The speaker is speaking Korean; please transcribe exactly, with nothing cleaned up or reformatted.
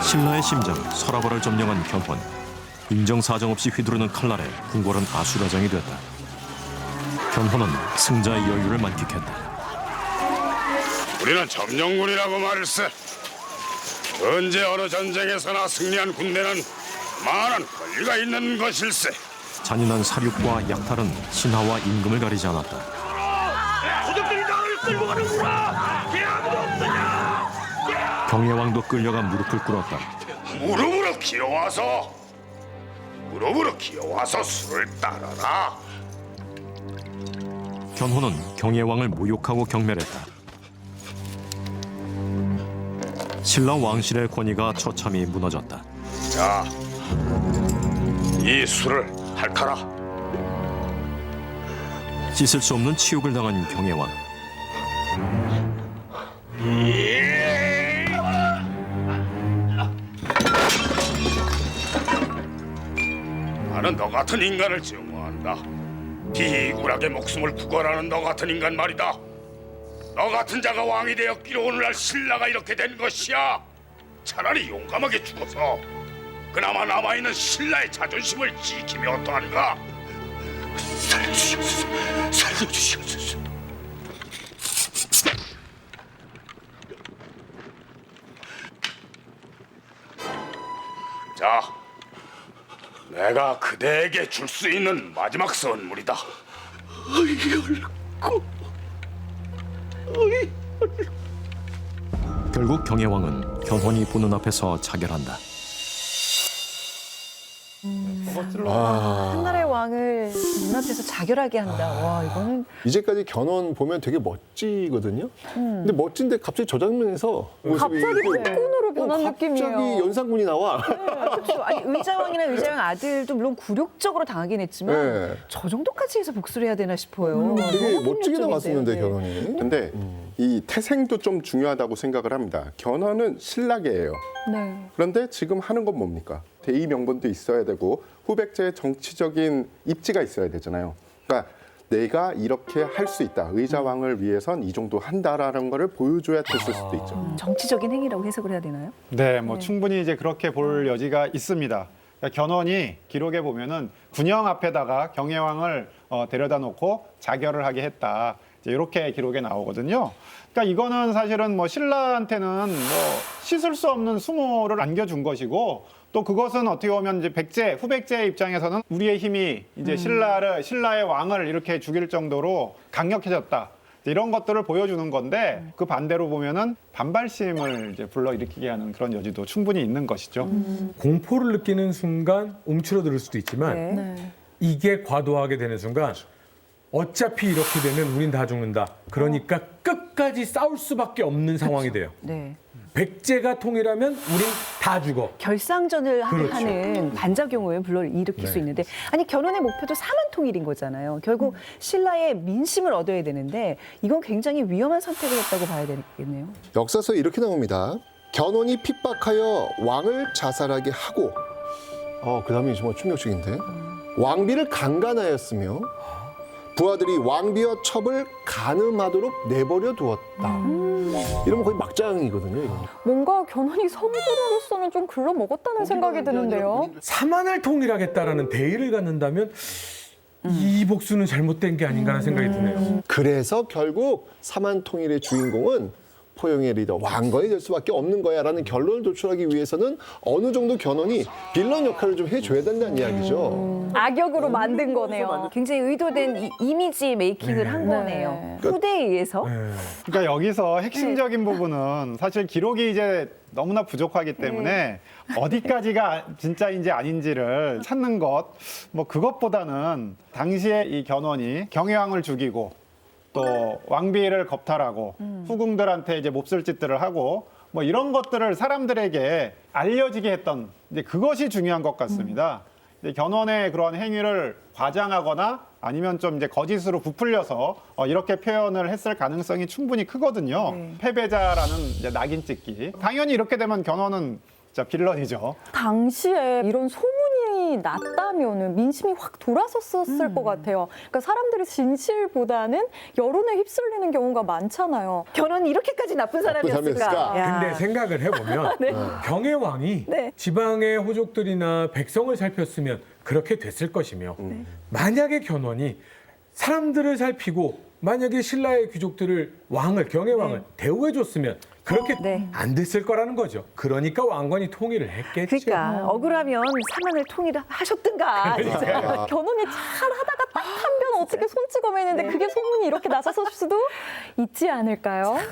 신라의 심장 서라벌을 점령한 견훤. 인정사정 없이 휘두르는 칼날에 궁궐은 아수라장이 됐다. 견훤은 승자의 여유를 만끽했다. 우리는 점령군이라고 말했어. 언제 어느 전쟁에서나 승리한 군대는 많은 권리가 있는 것일세. 잔인한 사륙과 약탈은 신하와 임금을 가리지 않았다. 도적들이 나를 끌고 가는구나. 왜 아무도 없느냐? 경혜왕도 끌려가 무릎을 꿇었다. 무릎으로 기어와서 무릎으로 기어와서 술을 따라라. 견훤은 경혜왕을 모욕하고 경멸했다. 신라 왕실의 권위가 처참히 무너졌다. 자, 이 술을 핥아라. 씻을 수 없는 치욕을 당한 경혜왕. 나는 너 같은 인간을 증오한다. 비굴하게 목숨을 구걸하는 너 같은 인간 말이다. 너 같은 자가 왕이 되었기로 오늘날 신라가 이렇게 된 것이야. 차라리 용감하게 죽어서 그나마 남아있는 신라의 자존심을 지키면 어떠한가? 살려주시옵소서. 살려주시옵소서. 자, 내가 그대에게 줄 수 있는 마지막 선물이다. 결국 경혜왕은 견훤이 보는 앞에서 자결한다. 한 나라의 왕을 눈앞에서 자결하게 한다. 와, 이거는 이제까지 견훤 보면 되게 멋지거든요. 근데 멋진데 갑자기 저 장면에서 모습이 갑자기 또- 폭군으로 변한 어, 느낌이에요. 갑자기 연산군이 나와. 그렇죠. 아니 의자왕이나 의자왕 아들도 물론 굴욕적으로 당하긴 했지만 네. 저 정도까지 해서 복수를 해야 되나 싶어요. 되게 너무 멋지게 폭력적인데. 나왔었는데 네. 견훤이. 근데 이 태생도 좀 중요하다고 생각을 합니다. 견훤은 신라계예요. 네. 그런데 지금 하는 건 뭡니까? 대의 명분도 있어야 되고 후백제의 정치적인 입지가 있어야 되잖아요. 그러니까 내가 이렇게 할 수 있다. 의자왕을 위해선 이 정도 한다라는 거를 보여줘야 됐을 수도 있죠. 정치적인 행위라고 해석을 해야 되나요? 네, 뭐 충분히 이제 그렇게 볼 여지가 있습니다. 그러니까 견훤이 기록에 보면은 군영 앞에다가 경혜왕을 어, 데려다 놓고 자결을 하게 했다. 이제 이렇게 기록에 나오거든요. 그러니까 이거는 사실은 뭐 신라한테는 뭐 씻을 수 없는 수모를 안겨준 것이고 또 그것은 어떻게 보면 이제 백제 후백제의 입장에서는 우리의 힘이 이제 신라를 신라의 왕을 이렇게 죽일 정도로 강력해졌다. 이런 것들을 보여주는 건데 그 반대로 보면은 반발심을 이제 불러일으키게 하는 그런 여지도 충분히 있는 것이죠. 공포를 느끼는 순간 움츠러들 수도 있지만 네. 이게 과도하게 되는 순간 어차피 이렇게 되면 우린 다 죽는다. 그러니까 끝까지 싸울 수밖에 없는 상황이 돼요. 네. 백제가 통일하면 우린 다 죽어. 결상전을 하- 그렇죠. 하는 반작용을 불러일으킬 수 네. 있는데 아니 견훤의 목표도 사만통일인 거잖아요. 결국 신라의 민심을 얻어야 되는데 이건 굉장히 위험한 선택을 했다고 봐야 되겠네요. 역사서 이렇게 나옵니다. 견훤이 핍박하여 왕을 자살하게 하고 어, 그 다음이 정말 충격적인데 왕비를 강간하였으며 부하들이 왕비와 첩을 간음하도록 내버려 두었다. 이러면 거의 막장이거든요. 이거. 뭔가 견훤이 성부로서는 좀 글러먹었다는 생각이 드는데요. 사만을 통일하겠다라는 대의를 갖는다면 이 복수는 잘못된 게 아닌가라는 생각이 드네요. 그래서 결국 사만통일의 주인공은 포용의 리더 왕건이 될 수밖에 없는 거야라는 결론을 도출하기 위해서는 어느 정도 견훤이 빌런 역할을 좀 해줘야 된다는 이야기죠. 악역으로 만든 거네요. 굉장히 의도된 이, 이미지 메이킹을 한 네. 거네요. 후대에 의해서. 네. 그러니까 여기서 핵심적인 부분은 사실 기록이 이제 너무나 부족하기 때문에 어디까지가 진짜인지 아닌지를 찾는 것, 뭐 그것보다는 당시에 이 견훤이 경혜왕을 죽이고 또 왕비를 겁탈하고 후궁들한테 이제 몹쓸 짓들을 하고 뭐 이런 것들을 사람들에게 알려지게 했던 이제 그것이 중요한 것 같습니다. 이제 견훤의 그런 행위를 과장하거나 아니면 좀 이제 거짓으로 부풀려서 어, 이렇게 표현을 했을 가능성이 충분히 크거든요. 네. 패배자라는 이제 낙인 찍기. 당연히 이렇게 되면 견훤은 진짜 빌런이죠. 당시에 이런 소문이 결혼이 났다면은 민심이 확 돌아섰었을 음. 것 같아요. 그러니까 사람들이 진실보다는 여론에 휩쓸리는 경우가 많잖아요. 결혼이 이렇게까지 나쁜 사람이었을까? 사람이었을까? 야. 근데 생각을 해보면 경의 왕이 네. 지방의 호족들이나 백성을 살폈으면 그렇게 됐을 것이며 만약에 견훤이 사람들을 살피고 만약에 신라의 귀족들을 왕을 경의 왕을 대우해줬으면 그렇게 네. 안 됐을 거라는 거죠. 그러니까 왕건이 통일을 했겠죠. 그러니까 억울하면 사만을 통일하셨든가. 진짜. 견훤이 잘 하다가 딱 한 변 어떻게 손찌검했는데 그게 소문이 이렇게 나섰을 수도 있지 않을까요?